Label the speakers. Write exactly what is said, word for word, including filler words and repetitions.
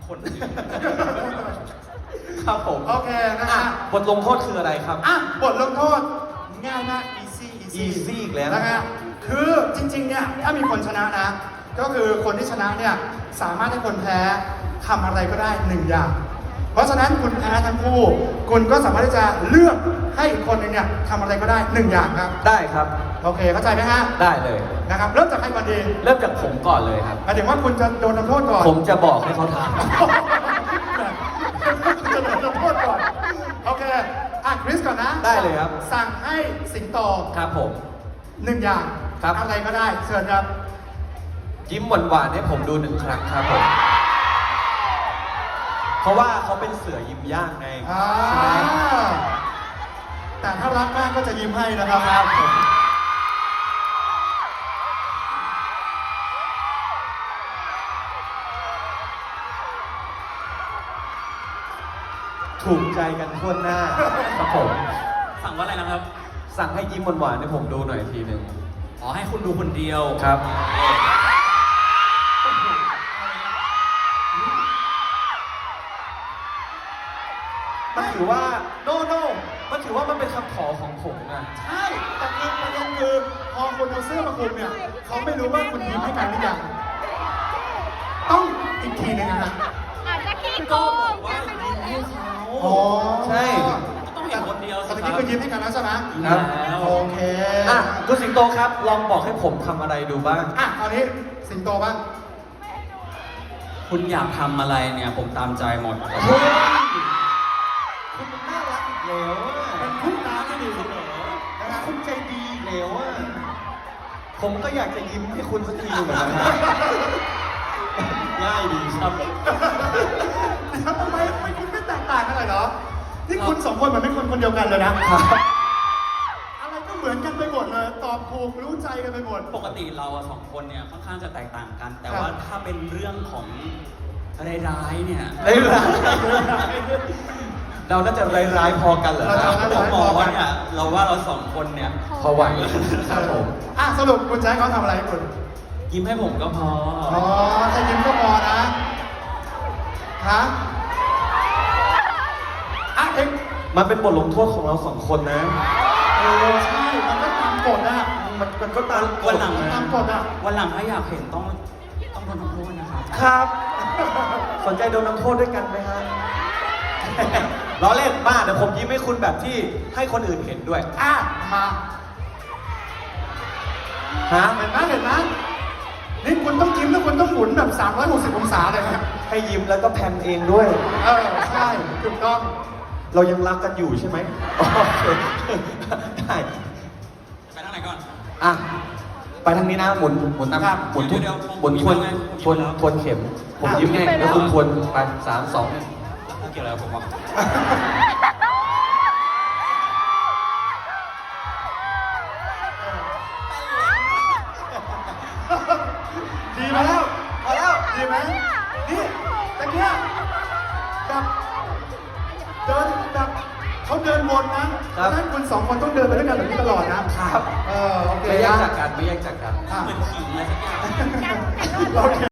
Speaker 1: คนอื่น
Speaker 2: ครับผม
Speaker 3: โอเคนะ
Speaker 2: อ่ะ
Speaker 3: ฮะ
Speaker 2: บทลงโทษคืออะไรครับ
Speaker 3: อ่ะบทลงโทษง่ายมาก easy easy
Speaker 2: easy อีกแล้ว
Speaker 3: นะฮะคือจริงๆเนี่ยถ้ามีคนชนะนะ ก็คือคนที่ชนะเนี่ยสามารถให้คนแพ้ทำอะไรก็ได้หนึ่งอย่าง เพราะฉะนั้นคุณแพ้ทั้งคู่ คุณก็สามารถที่จะเลือกให้อีกคนหนึงเนี่ยทำอะไรก็ได้หนึ่งอย่างครับ
Speaker 2: ได้ครับ
Speaker 3: โอเคเข้าใจไหมฮะ
Speaker 2: ได้เลย
Speaker 3: นะครับเริ่มจากใครก่อนดี
Speaker 2: เริ่มจากผมก่อนเลยครับ
Speaker 3: หมายถึงว่าคุณจะโดนทำโทษก่อน
Speaker 2: ผมจะบอกให้เขาท
Speaker 3: คุณจะโดนทำโทษก่อนโอเคอ่ะคริสก่อนนะ
Speaker 2: ำได้เลยครับ
Speaker 3: สั่งให้สิงโต
Speaker 2: ครับผม
Speaker 3: หนึ่งอย่าง
Speaker 2: ครับ
Speaker 3: อะไรก็ได้เชิญครับ
Speaker 2: ยิ้มหวานๆให้ผมดูหนึ่งครั้งครับผม เพราะว่าเขาเป็นเสือยิ้มย่างไง
Speaker 3: อ่า
Speaker 2: ใช่ไหม
Speaker 3: แต่ถ้ารักมากก็จะยิ้มให้นะครับ
Speaker 2: ครับผมถูกใจกันทั่วหน้าครับผม
Speaker 1: สั่งว่าอะไรนะครับ
Speaker 2: สั่งให้ยิ้มหวานๆให้ผมดูหน่อยทีหนึ่ง
Speaker 1: อ๋อให้คุณดูคนเดียว
Speaker 2: ครับ มันถือว่า โนโนมันถือว่ามันเป็นคำขอของผมนะ
Speaker 3: ใช่แต่คือประเด็นคือพอคนเอาเสื้อมาคลุมเนี่ยเขาไม่รู้ว่าคุณยิ้มให้กันหรือยังต้องอีกทีหนึงนะฮะ
Speaker 4: อาจจะขี้โก
Speaker 1: ก็บ
Speaker 4: ง
Speaker 1: อกว่ายิ้มให้เขา
Speaker 3: อ๋อ
Speaker 2: ใช่
Speaker 1: ต้องเห็นคนเดียว
Speaker 3: แต่
Speaker 1: สิ
Speaker 3: เมื่อ
Speaker 1: ค
Speaker 3: กี้
Speaker 1: รับ
Speaker 3: คือยิ้มให้กันแล้วใช่ไหม
Speaker 2: ครับ
Speaker 3: โอเค
Speaker 2: อ่ะคุณสิงโตครับ ลองบอกให้ผมทำอะไรดูบ้าง
Speaker 3: อ่ะคราวนี้สิงโตบ้าง
Speaker 1: คุณอยากทำอะไรเนี่ย ผมตามใจหมด
Speaker 2: เฮ้ยคุณมันน่ารักอีกแล้วอะ
Speaker 3: เป็นคู่น้ำที่ดี
Speaker 2: นะครับคุณใจดีอีกแล้วอะผมก็อยากจะยิ้มให้คุณสักทีเหมือนกันนะง่ายดีครับ
Speaker 3: เดี๋ยวทำไมทำไมคุณไม่แตกต่างกันเลยเหรอ นี่คุณสองคนเหมือนเป็นคนคนเดียวกันเลยนะ อะไรก็เหมือนกันไปหมดเลย ตอบถูกรู้ใจกันไปหมด
Speaker 1: ปกติเราอะสองคนเนี่ยค่อนข้างจะแตกต่างกัน แต่
Speaker 3: ครับ
Speaker 1: ว่าถ้าเป็นเรื่องของร้ายๆเนี่ย
Speaker 2: ร้ายร้ายเราน่าจะร้ายร้ายๆพอกันเหรอ
Speaker 3: เราจะ
Speaker 1: เราบอกว่าเนี่ยเราว่าเราสองคนเนี่ย
Speaker 2: พอไหวครับผม
Speaker 3: อ่ะสรุปคุณจะให้เขาทำอะไรให้คุณ
Speaker 1: ยิ้มให้ผมก็พอ
Speaker 3: อ๋อถ้ายิ้มก็พอนะ ฮะอ่ะเอง
Speaker 2: มันเป็นบทลงโทษของเราสองคนนะ
Speaker 3: เออใช่ มันก็ตามกฎนะ
Speaker 2: มันมันก็ตามก
Speaker 1: วั
Speaker 2: ฎ
Speaker 1: นหลัง
Speaker 3: มันตามกฎอ่ะ
Speaker 1: วันหลังถ้าอยากเห็นต้องต้องโดนทำโทษนะครับ
Speaker 2: ครับ สนใจโดนน้ำโทษด้วยกันไหมฮะ ล้อเล่นบ้าเดี๋ยวผมยิ้มให้คุณแบบที่ให้คนอื่นเห็นด้วย
Speaker 3: อ่ะ มา
Speaker 2: ฮะ
Speaker 3: เห็นไหมเห็นไหมนี่คุณต้องยิ้มแล้วคุณต้องหมุนแบบสามร้อยหกสิบองศาเลยนะ
Speaker 2: ให้ยิ้มแล้วก็แพนเองด้วย
Speaker 3: เออ ใช่ ถูกต้อง
Speaker 2: เรายังรักกันอยู่ใช่ไหมโอเคได้
Speaker 1: ไปทางไหนก่อน
Speaker 2: อ่ะ ไปทางนี้นะ หมุน หมุนตาม
Speaker 3: ครับ
Speaker 2: หมุนทุน
Speaker 1: เดี๋ยว
Speaker 2: หมุนทวน
Speaker 1: ผมยิ้มแล้วไง
Speaker 2: ทวนทวนเข็ม ผมยิ้มไงแล้วคุณทวนไปสามสองหนึ่ง
Speaker 1: เกี่ยวอะไรกับผมวะ
Speaker 3: ดีมาแล้ว
Speaker 2: พอแล้ว
Speaker 3: ดีไหมนี่ตะเกียบแบบเดินแบบเขาเดินวนนะเพราะฉะนั้นคุณสองคนต้องเดินไปด้วยกันแบบนี้ตลอดนะครับ เออ โอเค
Speaker 2: ไม่แยก
Speaker 3: นะ
Speaker 2: จากกัน ไม่แยกจากกัน
Speaker 3: อ่ะ
Speaker 1: เหมือนขิงอะไรสักอย่าง
Speaker 3: โอเค